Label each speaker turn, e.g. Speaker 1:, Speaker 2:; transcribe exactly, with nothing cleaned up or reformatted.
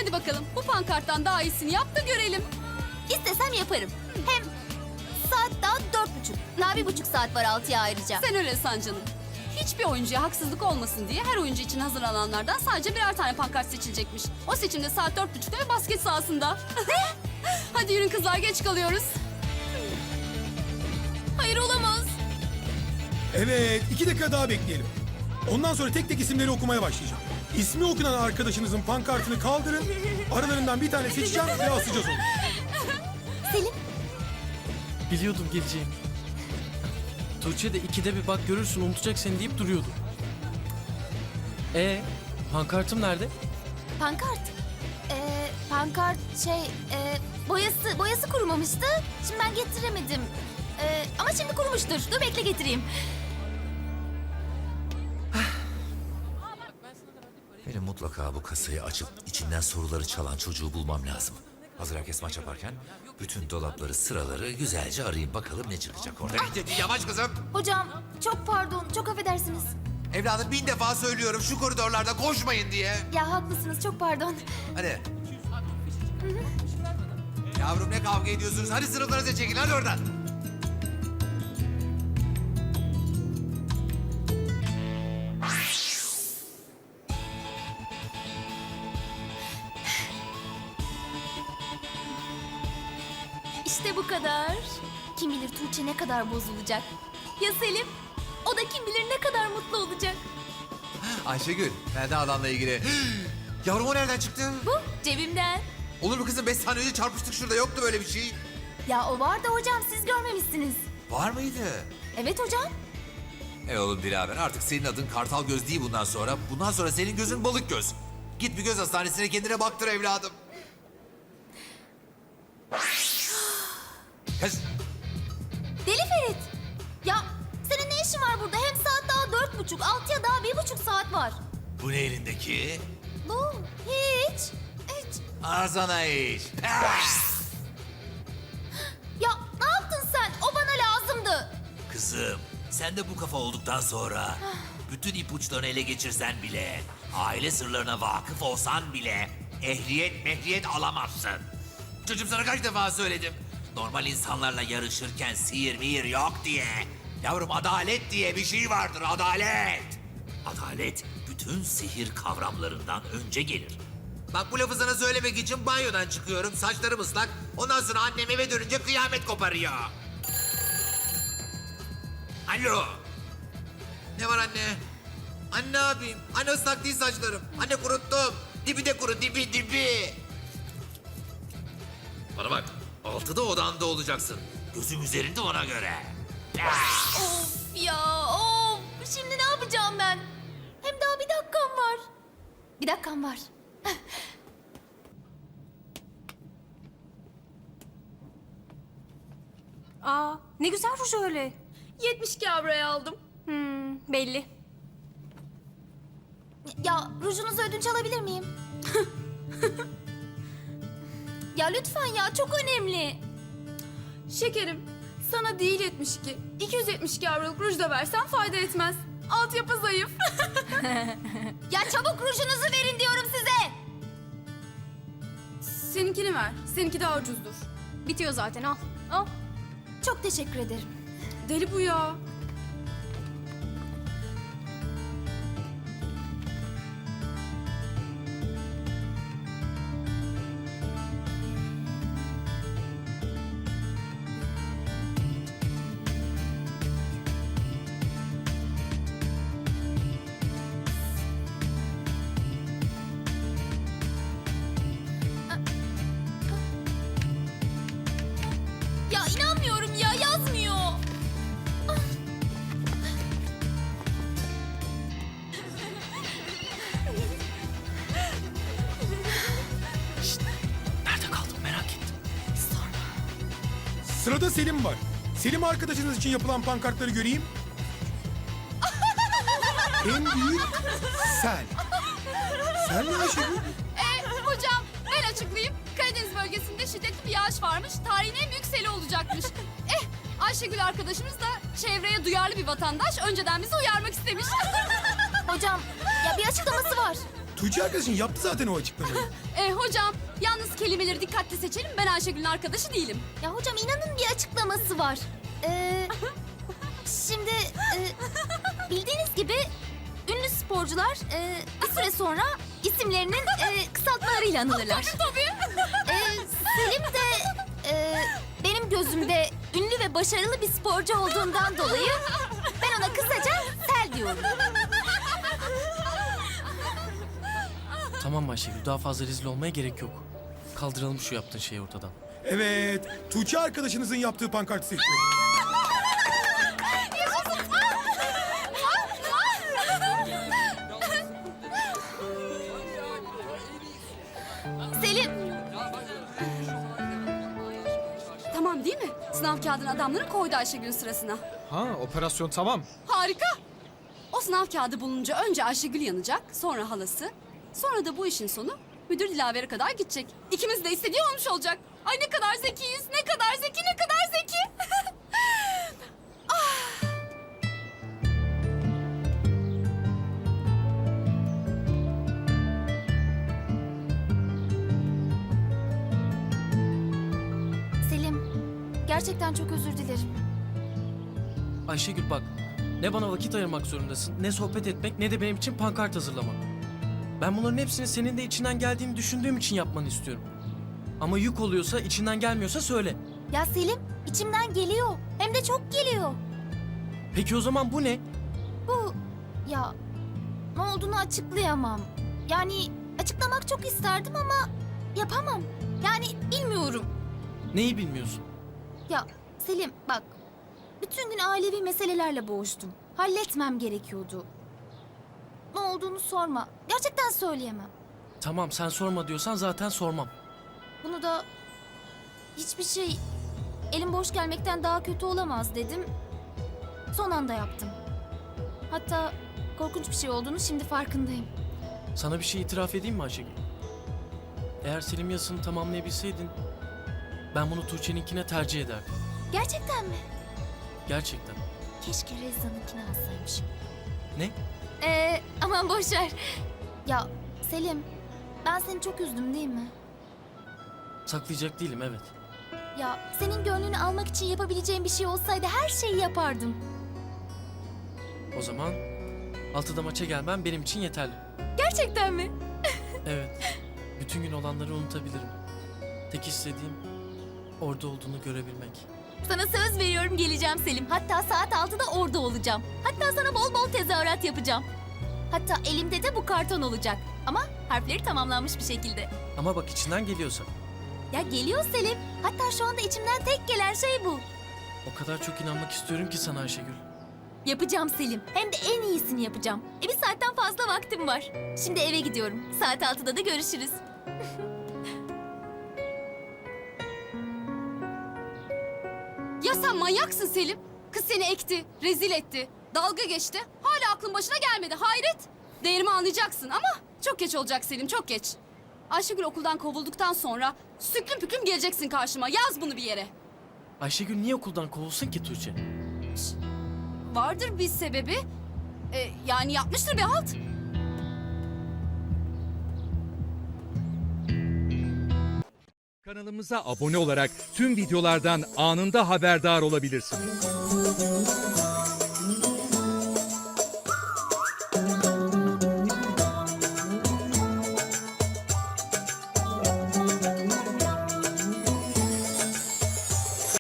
Speaker 1: Hadi bakalım bu pankarttan daha iyisini yap da görelim.
Speaker 2: İstesem yaparım. Hem saat daha dört buçuk. Daha bir buçuk saat var altıya ayrıca.
Speaker 1: Sen öyle san canım. Hiçbir oyuncuya haksızlık olmasın diye her oyuncu için hazırlananlardan sadece birer tane pankart seçilecekmiş. O seçimde saat dört buçukta ve basket sahasında. Hadi yürün kızlar, geç kalıyoruz. Hayır, olamaz.
Speaker 3: Evet, iki dakika daha bekleyelim. Ondan sonra tek tek isimleri okumaya başlayacağım. İsmi okunan arkadaşınızın pankartını kaldırın. Aralarından bir tane seçeceğim ve asacağız onu.
Speaker 2: Selim,
Speaker 4: Biliyordum geleceğini. Tuğçe de ikide bir bak görürsün unutacak seni deyip duruyordu. Ee, pankartım nerede?
Speaker 2: pankart. Ee, pankart şey, e, boyası boyası kurumamıştı. Şimdi ben getiremedim. Ee, ama şimdi kurumuştur. Dur bekle getireyim.
Speaker 5: Benim mutlaka bu kasayı açıp içinden soruları çalan çocuğu bulmam lazım. Hazır herkes maç yaparken bütün dolapları, sıraları güzelce arayayım bakalım ne çıkacak orada. Yavaş kızım.
Speaker 2: Hocam çok pardon, çok affedersiniz.
Speaker 5: Evladım bin defa söylüyorum şu koridorlarda koşmayın diye.
Speaker 2: Ya haklısınız, çok pardon.
Speaker 5: Hadi. Yavrum ne kavga ediyorsunuz? Hadi sınıflarınıza çekin hadi oradan.
Speaker 2: İşte bu kadar. Kim bilir Tuğçe ne kadar bozulacak. Ya Selim? O da kim bilir ne kadar mutlu olacak.
Speaker 5: Ayşegül, nereden adamla ilgili? Yavrum o nereden çıktı?
Speaker 2: Bu cebimden.
Speaker 5: Olur mu kızım? Beş saniye önce çarpıştık şurada. Yoktu böyle bir şey.
Speaker 2: Ya o var da hocam, siz görmemişsiniz.
Speaker 5: Var mıydı?
Speaker 2: Evet hocam.
Speaker 5: E oğlum Dilaver artık senin adın Kartal Göz değil bundan sonra. Bundan sonra senin gözün Balık Göz. Git bir göz hastanesine kendine baktır evladım. Kız.
Speaker 2: Deli Ferit. Ya senin ne işin var burada? Hem saat daha dört buçuk, altıya daha bir buçuk saat var.
Speaker 5: Bu ne elindeki?
Speaker 2: Bu hiç. Hiç.
Speaker 5: Ağzına iş.
Speaker 2: Ya ne yaptın sen? O bana lazımdı.
Speaker 5: Kızım sen de bu kafa olduktan sonra bütün ipuçlarını ele geçirsen bile, aile sırlarına vakıf olsan bile ehliyet mehliyet alamazsın. Çocuğum sana kaç defa söyledim. Normal insanlarla yarışırken sihir mihir yok diye. Yavrum adalet diye bir şey vardır, adalet. Adalet bütün sihir kavramlarından önce gelir. Bak bu lafı sana söylemek için banyodan çıkıyorum, saçlarım ıslak. Ondan sonra annem eve dönünce kıyamet koparıyor. Alo. Ne var anne? Anne ne yapayım? Anne ıslak değil saçlarım. Anne kuruttum. Dibi de kuru, dibi dibi. Bana bak, altıda odanda olacaksın. Gözüm üzerinde ona göre.
Speaker 2: Of ya of. Şimdi ne yapacağım ben? Hem daha bir dakikam var. Bir dakikam var.
Speaker 6: Aa, ne güzel ruj öyle.
Speaker 1: yetmiş iki avroya aldım.
Speaker 6: Hmm, belli.
Speaker 2: Ya rujunuzu ödünç alabilir miyim? Ya lütfen ya, çok önemli.
Speaker 1: Şekerim, sana değil yetmiş iki. iki yüz yetmiş iki avroluk ruj da versen fayda etmez. Altyapı zayıf.
Speaker 2: Ya çabuk rujunuzu verin diyorum size.
Speaker 1: Seninkini ver. Seninki daha ucuzdur.
Speaker 6: Bitiyor zaten, al. Al.
Speaker 2: Çok teşekkür ederim.
Speaker 1: Deli bu ya.
Speaker 2: Ya inanmıyorum ya, yazmıyor.
Speaker 4: Nerede kaldın merak ettim.
Speaker 3: Sırada Selim var. Selim arkadaşınız için yapılan pankartları göreyim. En büyük sel. Sel ne Ayşegül?
Speaker 1: Ee, hocam ben açıklayayım. Karadeniz bölgesinde şiddetli bir yağış varmış. Tarihin en büyük seli olacakmış. Eh, Ayşegül arkadaşımız da çevreye duyarlı bir vatandaş. Önceden bizi uyarmak istemiş.
Speaker 2: Hocam ya bir açıklaması var.
Speaker 3: Tuğçe arkadaşın yaptı zaten o açıklamayı.
Speaker 1: E hocam yalnız kelimeleri dikkatli seçelim. Ben Ayşegül'ün arkadaşı değilim.
Speaker 2: Ya hocam inanın bir açıklaması var. Ee, şimdi e, bildiğiniz gibi ünlü sporcular e, bir süre sonra isimlerinin e, kısaltmalarıyla anılırlar.
Speaker 1: Tabii.
Speaker 2: Ee, Selim de e, benim gözümde ünlü ve başarılı bir sporcu olduğundan dolayı ben ona kısaca Sel diyorum.
Speaker 4: Tamam Ayşegül, daha fazla rezil olmaya gerek yok. Kaldıralım şu yaptığın şeyi ortadan.
Speaker 3: Evet, Tuğçe arkadaşınızın yaptığı pankartı seçiyorum.
Speaker 2: Selim,
Speaker 1: Tamam değil mi? Sınav kağıdını adamların koydu Ayşegül'ün sırasına.
Speaker 7: Ha, operasyon tamam.
Speaker 1: Harika. O sınav kağıdı bulununca önce Ayşegül yanacak, sonra halası. Sonra da bu işin sonu müdür Dilaver'e kadar gidecek. İkimiz de istediği olmuş olacak. Ay ne kadar zekiyiz, ne kadar zeki, ne kadar zeki.
Speaker 2: Selim, gerçekten çok özür dilerim.
Speaker 4: Ayşegül bak, ne bana vakit ayırmak zorundasın, ne sohbet etmek, ne de benim için pankart hazırlamak. Ben bunların hepsini senin de içinden geldiğini düşündüğüm için yapmanı istiyorum. Ama yük oluyorsa, içinden gelmiyorsa söyle.
Speaker 2: Ya Selim, içimden geliyor. Hem de çok geliyor.
Speaker 4: Peki o zaman bu ne?
Speaker 2: Bu, ya ne olduğunu açıklayamam. Yani açıklamak çok isterdim ama yapamam. Yani bilmiyorum.
Speaker 4: Neyi bilmiyorsun?
Speaker 2: Ya Selim bak, bütün gün ailevi meselelerle boğuştum. Halletmem gerekiyordu. Ne olduğunu sorma. Gerçekten söyleyemem.
Speaker 4: Tamam, sen sorma diyorsan zaten sormam.
Speaker 2: Bunu da hiçbir şey elim boş gelmekten daha kötü olamaz dedim. Son anda yaptım. Hatta korkunç bir şey olduğunu şimdi farkındayım.
Speaker 4: Sana bir şey itiraf edeyim mi Ayşegül? Eğer Selim yazısını tamamlayabilseydin, ben bunu Tuğçe'ninkine tercih ederdim.
Speaker 2: Gerçekten mi?
Speaker 4: Gerçekten.
Speaker 2: Keşke Rezza'nınkini alsaymışım.
Speaker 4: Ne?
Speaker 2: Ee, aman boş ver. Ya Selim, ben seni çok üzdüm değil mi?
Speaker 4: Saklayacak değilim, evet.
Speaker 2: Ya senin gönlünü almak için yapabileceğim bir şey olsaydı her şeyi yapardım.
Speaker 4: O zaman altıda maça gelmem benim için yeterli.
Speaker 2: Gerçekten mi?
Speaker 4: Evet. Bütün gün olanları unutabilirim. Tek istediğim orada olduğunu görebilmek.
Speaker 2: Sana söz veriyorum geleceğim Selim. Hatta saat altıda orada olacağım. Hatta sana bol bol tezahürat yapacağım. Hatta elimde de bu karton olacak. Ama harfleri tamamlanmış bir şekilde.
Speaker 4: Ama bak içinden geliyorsa.
Speaker 2: Ya geliyor Selim. Hatta şu anda içimden tek gelen şey bu.
Speaker 4: O kadar çok inanmak istiyorum ki sana Ayşegül.
Speaker 2: Yapacağım Selim. Hem de en iyisini yapacağım. E bir saatten fazla vaktim var. Şimdi eve gidiyorum. Saat altıda da görüşürüz.
Speaker 1: Ya sen manyaksın Selim. Kız seni ekti, rezil etti, dalga geçti. Hala aklın başına gelmedi, hayret. Değerimi anlayacaksın ama çok geç olacak Selim, çok geç. Ayşegül okuldan kovulduktan sonra süklüm püklüm geleceksin karşıma. Yaz bunu bir yere.
Speaker 4: Ayşegül niye okuldan kovulsun ki Tuğçe?
Speaker 1: Vardır bir sebebi. Ee, yani yapmıştır bir halt.
Speaker 8: Kanalımıza abone olarak tüm videolardan anında haberdar olabilirsiniz.